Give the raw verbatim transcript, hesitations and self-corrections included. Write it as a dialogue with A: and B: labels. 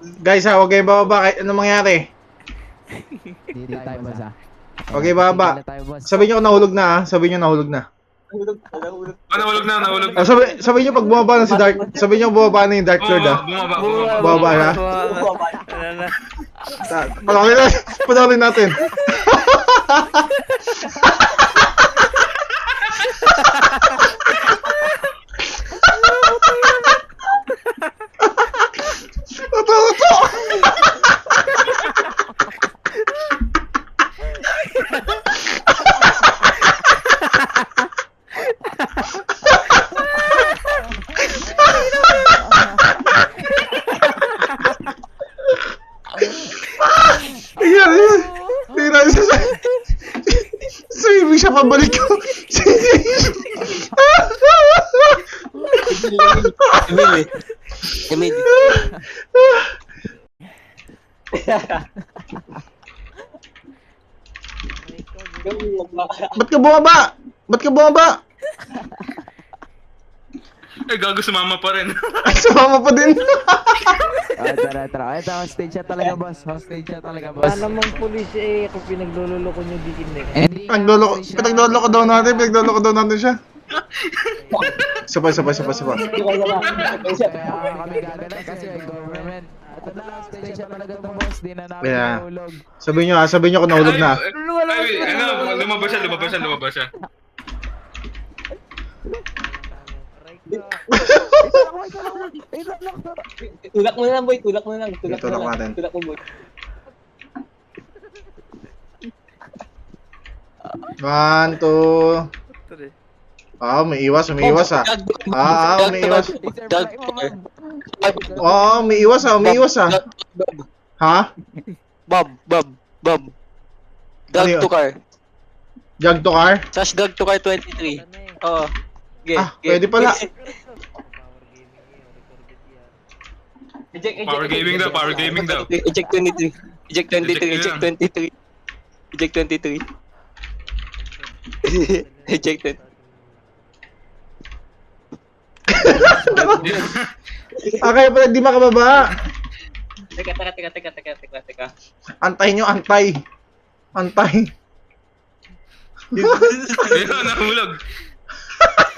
A: Guys ha, huwag kayong bababa kahit anong mangyari.
B: Hindi tayo boss ah.
A: Huwag kayong bababa.
B: Tigil na tayo, boss.
A: Sabihin nyo kung nahulog na ha. Sabihin nyo nahulog na.
C: Nahulog, nahulog.
D: Ah, nahulog na, nahulog na.
A: O, sabi, sabihin nyo pag bumaba na si Dark. Sabihin nyo bumaba na yung Dark Lord ha.
D: Bumaba, bumaba, bumaba.
A: Bumaba na.
C: Bumaba.
E: Wala na.
A: Panoorin natin. Panoorin natin. Ito, ito. Ayan, ayan. Tingnan siya siya. Swimming siya pabalik ko.
C: Emil eh. Emil.
A: Ba't ka bumaba? Ba't ka bumaba?
D: Eh, gago sumama pa rin.
A: Ay, sumama pa din.
B: Ah, tara, tara. Ay, ito, hostage siya talaga, boss. Hostage siya talaga, boss.
E: Wala namang pulis eh, kung pinaglulolo ko nyo di kinig.
B: Hindi nga,
A: Pinaglolo ko,
B: hostage siya.
A: pinaglolo ko daw natin, pinaglolo ko daw natin siya. Sabay, sabay, sabay, sabay.
B: Kaya kami gaganan kasi ay government. Ito na, hostage siya talaga to, boss. Di na namin
A: Yeah.
B: nahulog.
A: Sabihin nyo ha, sabihin nyo kung nahulog na.
D: Ay, ay, ano, lumabas siya, lumabas siya, lumabas siya.
C: Tulak mo na lang boy, tulak mo na lang. Tulak mo
A: Tulak
C: na lang.
A: natin.
C: Tulak mo boy.
A: One, two. Ah, may iwas, may iwas ah. Ah, ah, may iwas.
C: Dag.
A: Oo, may iwas ah, may iwas ah. Ha?
C: Bob, Bob, Bob.
A: Ano yun?
C: Drag to car.
A: Jug to car?
C: Slash drag to car twenty-three. Oo. Okay,
A: Ah, pwede pala.
C: Eject, eject,
D: Power
C: eject,
D: gaming daw,
C: eject.
D: power gaming daw.
C: Eject twenty-three. Eject twenty-three,
D: Eject
C: eject
D: na.
C: twenty-three. Eject twenty-three. Ejected.
A: Ah, kaya pala di makababa.
C: Teka, teka, teka, teka, teka, teka, teka.
A: Antay nyo, antay. Antay.
D: Ayun, nahulog.